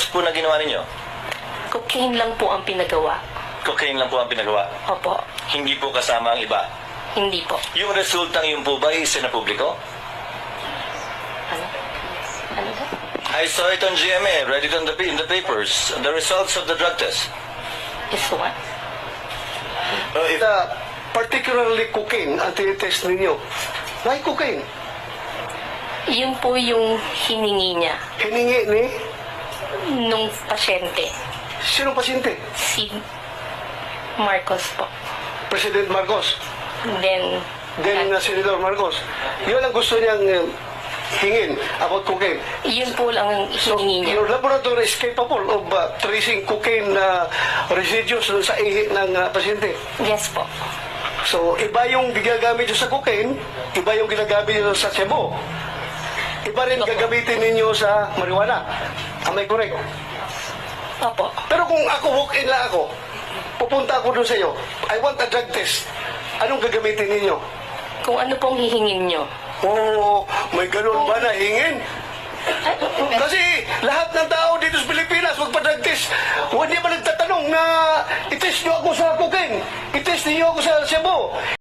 test po na ginawa ninyo? Cocaine lang po ang pinagawa. Cocaine lang po ang pinagawa. Opo. Hindi po kasama ang iba. Hindi po. Yung resultang yun po ba isa na publiko? Ano? Ano ba? I saw it on GMA, read it on in the papers. The results of the drug test. Is what? Particularly cocaine ang tinitest ninyo. Why cocaine? Yun po yung hiningi niya Hiningi ni nung pasyente. sinong pasyente? Si Marcos po. President Marcos. Then, Senator Marcos. Yun ang gusto niyang hingin about cocaine. yun po lang ang So, hiningi niya. your laboratory is capable of tracing cocaine residues sa ihi ng pasyente. Yes po. So, iba yung ginagamit nyo sa cocaine, iba yung ginagamit nyo sa shabu. Iba rin gagamitin ninyo sa marijuana. Am I correct? Opo. Pero kung ako walk-in lang ako, pupunta ako doon sa iyo, I want a drug test. Anong gagamitin ninyo? Kung ano pong hihingin nyo. Oh, may ganun ba na hingin? Kasi lahat ng tao dito sa Pilipinas magpa-drug test. Hindi ba nagtatanong na itest nyo ako sa cocaine? Itest niyo ako sa shabu?